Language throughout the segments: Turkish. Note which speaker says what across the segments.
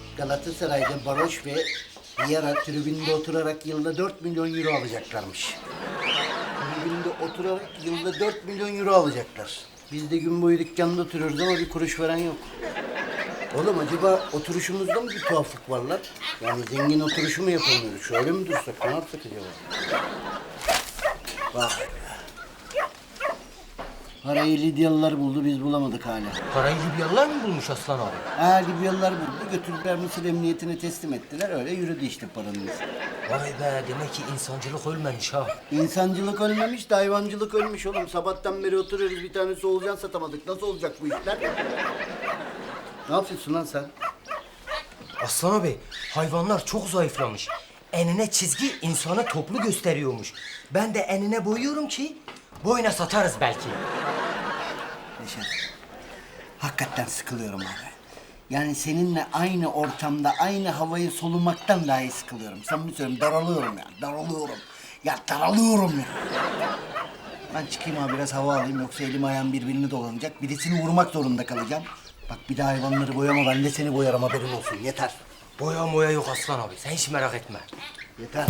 Speaker 1: Galatasaray'da Baroş ve Vieira tribünde oturarak yılda 4 milyon euro alacaklarmış. Tribünde oturarak yılda 4 milyon euro alacaklar. Biz de gün boyu dükkanda oturuyoruz ama bir kuruş veren yok. Oğlum acaba oturuşumuzda mı bir tuhaflık var lan? Yani zengin oturuşu mu yapamıyoruz? Şöyle mi dursak? Ne yapsak acaba? Vay be. Parayı Lidyalılar buldu, biz bulamadık hala.
Speaker 2: Parayı Libyalılar mı bulmuş Aslan abi?
Speaker 1: Ha, Libyalılar buldu, götürdüler Mısır Emniyetine teslim ettiler. Öyle yürüdü işte paranın izi.
Speaker 2: Vay be, demek ki insancılık ölmemiş ha.
Speaker 1: İnsancılık ölmemiş de hayvancılık ölmüş oğlum. Sabahtan beri oturuyoruz, bir tane solucan satamadık. Nasıl olacak bu işler? Ne yapıyorsun lan sen?
Speaker 2: Aslan abi, hayvanlar çok zayıflamış. Enine çizgi insanı toplu gösteriyormuş. Ben de enine boyuyorum ki boyuna satarız belki.
Speaker 1: Neşet, hakikaten sıkılıyorum abi. Yani seninle aynı ortamda aynı havayı solumaktan dahi sıkılıyorum. Samimi söylüyorum, daralıyorum ya, daralıyorum. Ya daralıyorum ya. Ben çıkayım abi, biraz hava alayım, yoksa elim ayağım birbirini dolanacak. Birisini vurmak zorunda kalacağım. Bak bir daha hayvanları boyama, ben de seni boyarım, haberin olsun. Yeter.
Speaker 2: Boya moya yok Aslan abi, sen hiç merak etme.
Speaker 1: Yeter.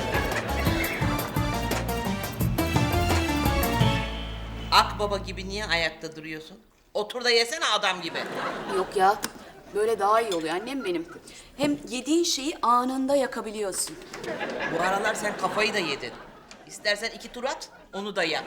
Speaker 3: Akbaba gibi niye ayakta duruyorsun? Otur da yesene adam gibi.
Speaker 4: Yok ya, böyle daha iyi oluyor annem benim. Hem yediğin şeyi anında yakabiliyorsun.
Speaker 3: Bu aralar sen kafayı da yedin. İstersen 2 tur at, onu da yak.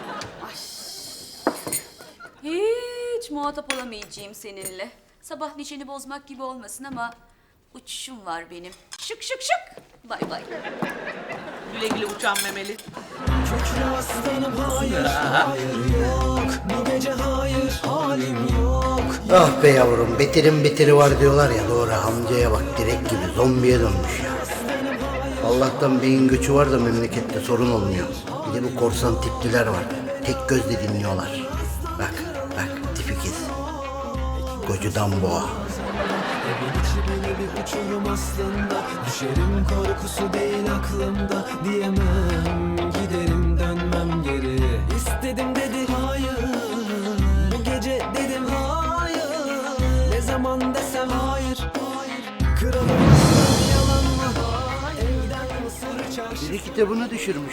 Speaker 4: Hiç muhatap olamayacağım seninle. Sabah neşeni bozmak gibi olmasın ama uçuşum var benim. Şık şık şık. Bay bay.
Speaker 3: Güle güle uçan memeli.
Speaker 5: Köklü aslanım hayır, hayır yok. Bu gece hayır, halim yok.
Speaker 1: Ah be yavrum, beterin beteri var diyorlar ya, doğru. Amcaya bak, direkt gibi zombiye dönmüş ya. Allah'tan beyin göçü var da memlekette sorun olmuyor. Bir de bu korsan tipliler var. Tek gözle dinliyorlar. Bak, bak, tipikiz. Kocudan boğa.
Speaker 5: Evin içi böyle bir uçurum aslında. Düşerim korkusu değil aklımda. Diyemem, giderim dönmem geri. İstedim dedi hayır. Bu gece dedim hayır. Ne zaman desem hayır. Kralım yalan mı? Evden Mısır çarşı.
Speaker 1: Biri kitabını düşürmüş.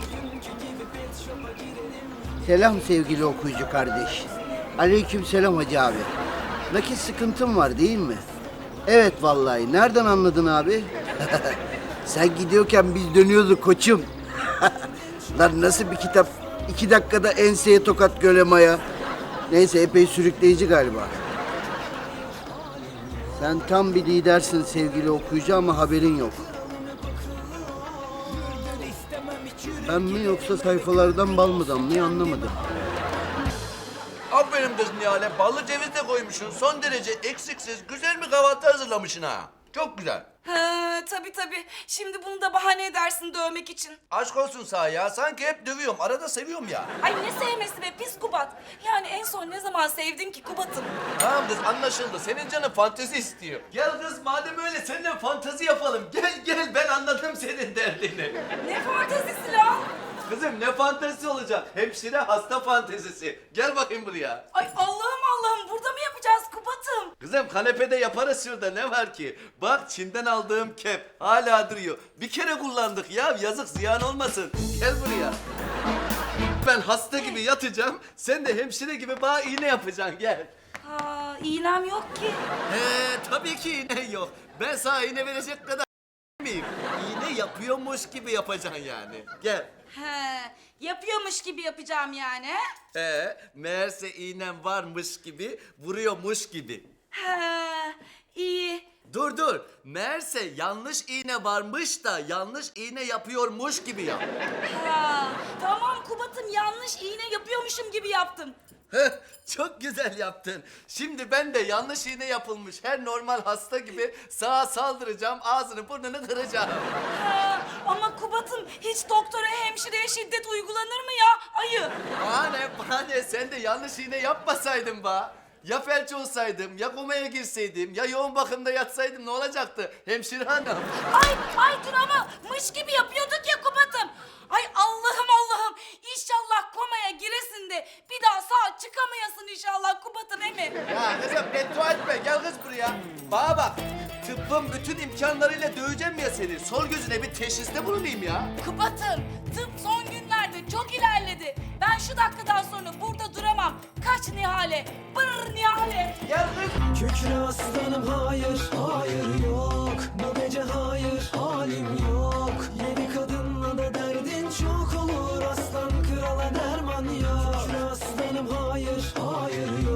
Speaker 1: Selam sevgili okuyucu kardeş. Aleyküm selam hacı abi. Nakit sıkıntım var değil mi? Evet vallahi. Nereden anladın abi? Sen gidiyorken biz dönüyorduk koçum. Lan nasıl bir kitap? 2 dakikada enseye tokat gölemaya. Neyse, epey sürükleyici galiba. Sen tam bir lidersin sevgili okuyucu ama haberin yok. Ben mi yoksa sayfalardan bal mı damlıyor anlamadım.
Speaker 6: Aferin kız Nihal'e. Ballı ceviz de koymuşsun. Son derece eksiksiz, güzel bir kahvaltı hazırlamışsın ha. Çok güzel.
Speaker 7: Ha, tabii. Şimdi bunu da bahane edersin dövmek için.
Speaker 6: Aşk olsun sağ ya. Sanki hep dövüyorum. Arada seviyorum ya.
Speaker 7: Ay ne sevmesi be pis Kubat. Yani en son ne zaman sevdin ki Kubat'ım?
Speaker 6: Tamam kız, anlaşıldı. Senin canın fantezi istiyor. Gel kız, madem öyle seninle fantezi yapalım. Gel ben anladım senin derdini.
Speaker 7: Ne fantezisi lan?
Speaker 6: Kızım ne fantezisi olacak? Hemşire hasta fantezisi. Gel bakayım buraya.
Speaker 7: Ay Allah'ım burada mı yapacağız Kubat'ım?
Speaker 6: Kızım kanepede yaparız şurada, ne var ki? Bak Çin'den aldığım kep hala duruyor. Bir kere kullandık ya, yazık ziyan olmasın. Gel buraya. Ben hasta gibi yatacağım. Sen de hemşire gibi bana iğne yapacaksın, gel.
Speaker 7: Ha, iğnem yok ki.
Speaker 6: Tabii ki iğne yok. Ben sana iğne verecek kadar miyim? İğne yapıyormuş gibi yapacaksın yani. Gel.
Speaker 7: He, yapıyormuş gibi yapacağım yani.
Speaker 6: Meğerse iğnem varmış gibi, vuruyormuş gibi.
Speaker 7: He, iyi.
Speaker 6: Dur. Meğerse yanlış iğne varmış da yanlış iğne yapıyormuş gibi yap.
Speaker 7: Ha, tamam Kubat'ım yanlış iğne yapıyormuşum gibi yaptım.
Speaker 6: Heh, çok güzel yaptın. Şimdi ben de yanlış iğne yapılmış her normal hasta gibi sağa saldıracağım, ağzını burnunu kıracağım.
Speaker 7: Ha, ama Kubat'ım hiç doktora hemşireye şiddet uygulanır mı ya? Ayı.
Speaker 6: Bana ne, sen de yanlış iğne yapmasaydın be. Ya felç olsaydım, ya komaya girseydim, ya yoğun bakımda yatsaydım ne olacaktı hemşire hanım?
Speaker 7: Ay dur ama mış gibi yapıyorduk ya Kubat'ım. Ay Allah'ım İnşallah komaya giresin de de bir daha sağ çıkamayasın inşallah Kubat'ım emi.
Speaker 6: Ya kızım beddua etme, gel kız buraya. Bana bak, tıbbın bütün imkanlarıyla döveceğim ya seni. Sol gözüne bir teşhiste bulunayım ya.
Speaker 7: Kubat'ım tıp son günlerde çok ilerledi. Ben şu dakikadan sonra burada duramam. Kaç Nihale. Brrr Nihale.
Speaker 6: Gel kız.
Speaker 5: Kükre aslanım hayır, hayır yok. Bu gece hayır, halim yok. Yedi kadınla da derdin çok olur. Aslan krala derman yok. Kükre aslanım hayır, hayır yok.